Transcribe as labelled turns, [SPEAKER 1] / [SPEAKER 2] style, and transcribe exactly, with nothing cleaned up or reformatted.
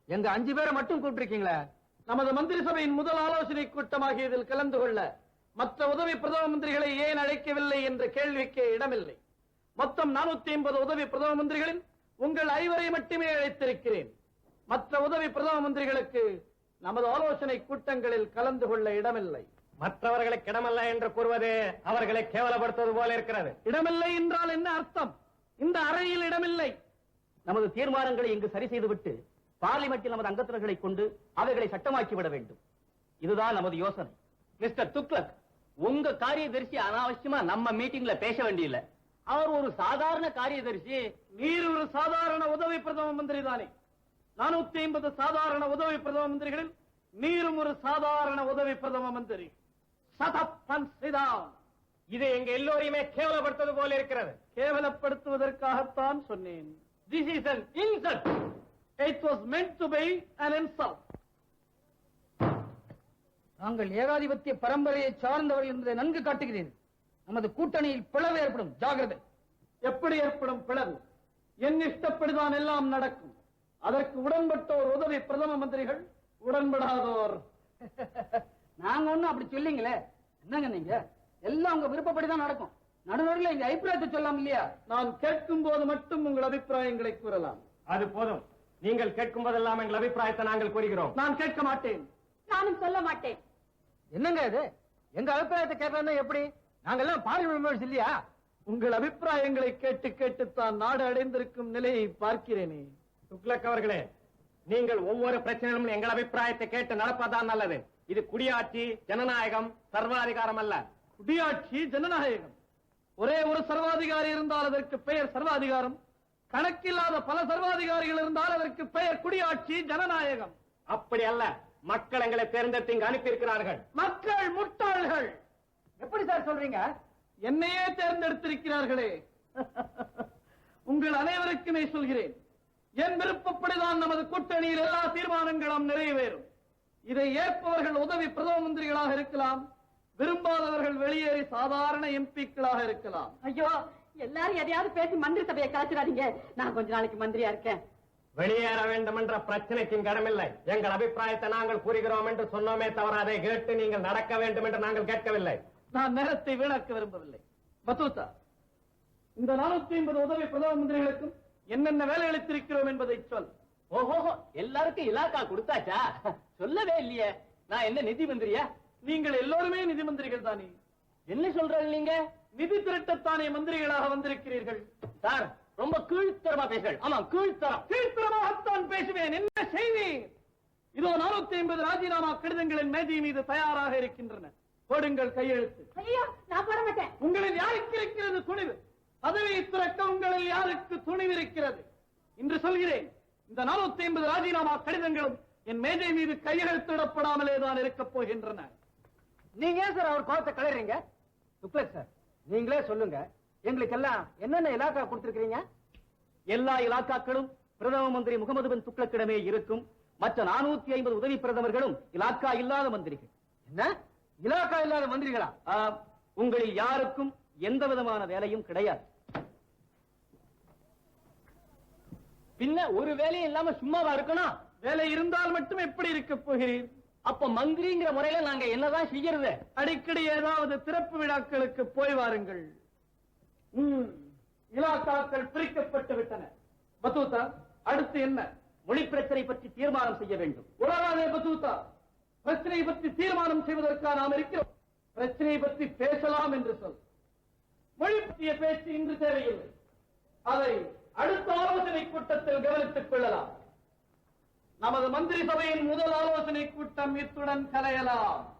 [SPEAKER 1] எங்க அஞ்சு பேரை மட்டும் கூப்பிட்டிருக்கீங்களே.
[SPEAKER 2] நமது மந்திரி சபையின் முதல் ஆலோசனை கூட்டமாகியதில் கலந்து கொள்ள மற்ற உதவி பிரதம மந்திரிகளை ஏன் அழைக்கவில்லை என்ற கேள்விக்கு இடமில்லை. மொத்தம் நானூத்தி ஐம்பது உதவி பிரதம மந்திரிகளில் உங்கள் ஐவரை மட்டுமே அழைத்திருக்கிறேன். மற்ற உதவி பிரதம மந்திரிகளுக்கு நமது ஆலோசனை கூட்டங்களில் கலந்து கொள்ள இடமில்லை.
[SPEAKER 1] மற்றவர்களுக்கு இடமல்ல என்று கூறுவது அவர்களை கேவலப்படுத்துவது போல இருக்கிறது.
[SPEAKER 2] இடமில்லை என்றால் என்ன அர்த்தம்? இந்த அறையில் இடமில்லை.
[SPEAKER 1] நமது தீர்மானங்களை இங்கு சரி செய்துவிட்டு பார்லிமெண்டில் நமது அங்கத்தினர்களை கொண்டு அவைகளை சட்டமாக்கி விட வேண்டும். இதுதான் நமது யோசனை. மிஸ்டர் துக்ளக், உங்க காரியதரிசி அனாவசியமா நம்ம மீட்டிங்ல பேச வேண்டியதில்லை. அவர் ஒரு சாதாரண காரியதரிசி.
[SPEAKER 2] நீர் ஒரு சாதாரண உதவி பிரதம மந்திரி தானே? நானூத்தி ஐம்பது சாதாரண உதவி பிரதம மந்திரிகளில் நீரும் ஒரு சாதாரண உதவி பிரதம மந்திரி.
[SPEAKER 1] இது எங்க எல்லோரையுமே கேவலப்படுத்துவது போல இருக்கிறது.
[SPEAKER 2] கேவலப்படுத்துவதற்காகத்தான் சொன்னேன்.
[SPEAKER 1] This is an insult.
[SPEAKER 2] It was meant to be an insult.
[SPEAKER 3] நாங்கள் ஏகாதிபத்திய பரம்பரையை சார்ந்தவர்கள் என்பதை நன்கு காட்டுகிறீர்கள். நமது கூட்டணியில் பிளவு ஏற்படும். ஜாகிரதை.
[SPEAKER 2] எப்படி ஏற்படும் பிளவு? என் இஷ்டப்படிதான் எல்லாம் நடக்கும். அதற்கு உடன்பட்டோர் உதவி பிரதம மந்திரிகள், உடன்படாதோர்.
[SPEAKER 3] நாங்க ஒண்ணும் அப்படி சொல்லிங்களே. என்னங்க நீங்க? எல்லாம் உங்க விருப்பப்படிதான் நடக்கும். நடுநடுவில் எங்க அபிப்பிராயத்தை சொல்லலாம் இல்லையா?
[SPEAKER 2] நான் கேட்கும் போது மட்டும் உங்கள் அபிப்பிராயங்களை கூறலாம்.
[SPEAKER 1] அது போதும். நீங்கள் கேட்கும் போதெல்லாம் எங்கள் அபிப்பிராயத்தை நாங்கள் கூறுகிறோம்.
[SPEAKER 2] நான் கேட்க மாட்டேன்.
[SPEAKER 4] நானும் சொல்ல மாட்டேன்.
[SPEAKER 3] என்னங்க இது? எங்க அபிப்பிராயத்தை கேட்கறதா எப்படி? நாங்கெல்லாம் பார்லிமெண்ட் மெம்பர்ஸ் இல்லையா?
[SPEAKER 2] உங்கள் அபிப்பிராயங்களை கேட்டு கேட்டுத்தான் நாடு அடைந்திருக்கும் நிலையை பார்க்கிறேனே.
[SPEAKER 1] துக்ளக் அவர்களே, நீங்கள் ஒவ்வொரு பிரச்சனையிலும் எங்கள் அபிப்பிராயத்தை கேட்டு நடப்பதுதான் நல்லது. இது குடியாட்சி, ஜனநாயகம், சர்வாதிகாரம் அல்ல.
[SPEAKER 2] குடியாட்சி, ஜனநாயகம். ஒரே ஒரு சர்வாதிகாரி இருந்தால் அதற்கு பெயர் சர்வாதிகாரம். கணக்கில்லாத பல சர்வாதிகாரிகள் இருந்தால் அதற்கு பெயர் குடியாட்சி, ஜனநாயகம்.
[SPEAKER 1] அப்படி அல்ல. மக்கள் எங்களை தேர்ந்தெடுத்து இங்கு அனுப்பி இருக்கிறார்கள்.
[SPEAKER 2] மக்கள் முட்டாள்கள்.
[SPEAKER 3] எப்படி சார் சொல்றீங்க?
[SPEAKER 2] என்னையே தேர்ந்தெடுத்திருக்கிறார்களே. உங்கள் அனைவருக்குமே சொல்கிறேன், என் விருப்பப்படிதான் நமது கூட்டணியில் எல்லா தீர்மானங்களும் நிறைவேறும். இதை ஏற்பவர்கள் உதவி பிரதம மந்திரிகளாக இருக்கலாம், விரும்பாதவர்கள் வெளியேறி சாதாரண எம்பிக்களாக இருக்கலாம்.
[SPEAKER 4] ஐயோ, எல்லாரும் எதையாவது பேசி மந்திரி சபையை கலைச்சிடாதீங்க. நான் கொஞ்ச நாளைக்கு மந்திரியா இருக்கேன்.
[SPEAKER 1] வெளியேற வேண்டும் என்ற பிரச்சனைக்கு கடமில்லை. எங்கள் அபிப்பிராயத்தை நாங்கள் கூறுகிறோம் என்று சொன்னோமே தவிர அதை கேட்டு நீங்கள் நடக்க வேண்டும் என்று நாங்கள் கேட்கவில்லை.
[SPEAKER 2] நான் நேரத்தை வீணாக்க விரும்பவில்லை. பத்தூத்தா, இந்த நானூத்தி ஐம்பது உதவி பிரதம மந்திரிகளுக்கும் என்னென்ன வேலை அளித்திருக்கிறோம் என்பதை சொல்.
[SPEAKER 1] ஓஹோ, எல்லாருக்கும் இலாக்கா கொடுத்தாச்சா? சொல்லவே இல்லையே. நான் என்ன நிதி மந்திரியா?
[SPEAKER 2] நீங்கள் எல்லோருமே நிதி மந்திரிகள் தானே?
[SPEAKER 1] என்ன சொல்றீங்க நீங்க?
[SPEAKER 2] நிதி திரட்டத்தானே மந்திரிகளாக வந்திருக்கிறீர்கள்.
[SPEAKER 1] சார், ரொம்ப கீழ்த்தரமா பேசுங்கள். ஆமா, கீழ்த்தரம்.
[SPEAKER 2] கீழ்த்தரமாகத்தான் பேசுவேன். என்ன செய்வீர்? இதோ நானூத்தி ஐம்பது ராஜினாமா கடிதங்களின் மேஜை மீது தயாராக இருக்கின்றன. போடுங்கள் கையெழுத்து.
[SPEAKER 4] ஐயோ, நான் போட மாட்டேன்.
[SPEAKER 2] உங்களில் யாருக்கு இருக்கிறது துணிவு? பதவியை துறக்க உங்களில் யாருக்கு துணிவு இருக்கிறது? இன்று சொல்கிறேன், இந்த நானூத்தி ஐம்பது ராஜினாமா கடிதங்களும் என் மேஜை மீது கையெழுத்திடப்படாமலே தான் இருக்கப் போகின்றன.
[SPEAKER 3] நீங்க ஏன் சார் அவர் கோபத்தை கலறீங்க? துக்ளக் சார், நீங்களே சொல்லுங்க, எங்களுக்கு எல்லாம் என்னென்ன இலாக்கா கொடுத்திருக்கீங்க?
[SPEAKER 1] எல்லா இலாக்காக்களும் பிரதம மந்திரி முகமது பின் துக்ளக்கிடமே இருக்கும். மற்ற நானூத்தி ஐம்பது உதவி பிரதமர்களும் இலாக்கா இல்லாத மந்திரிகள்.
[SPEAKER 3] என்ன, இலாக்கா இல்லாத மந்திரிகளா?
[SPEAKER 1] உங்களில் யாருக்கும் எந்த விதமான வேலையும் கிடையாது. பின்ன ஒரு வேலையும் இல்லாம சும்மாவா இருக்கணும்?
[SPEAKER 2] வேலை இருந்தால் மட்டும் எப்படி இருக்க போகிறீர்?
[SPEAKER 1] அப்ப மந்திரிங்கிற முறையில நாங்க என்னதான் செய்யறது?
[SPEAKER 2] அடிக்கடி ஏதாவது திறப்பு விழாக்களுக்கு போய் வாருங்கள். இலாக்காக்கள் பிரிக்கப்பட்டு விட்டன. பத்தூத்தா, அடுத்து என்ன?
[SPEAKER 1] மொழி பிரச்சனை பற்றி தீர்மானம் செய்ய வேண்டும்.
[SPEAKER 2] உலகாதே பத்தூத்தா, பிரச்சனை பற்றி தீர்மானம் செய்வதற்காக நாம் இருக்கிறோம். பிரச்சனை பற்றி பேசலாம் என்று சொல். மொழி பற்றிய பேச்சு இன்று தேவையில்லை. அதை அடுத்த ஆலோசனை கூட்டத்தில் கவனித்துக் கொள்ளலாம். நமது மந்திரி சபையின் முதல் ஆலோசனை கூட்டம் இத்துடன் கலையலாம்.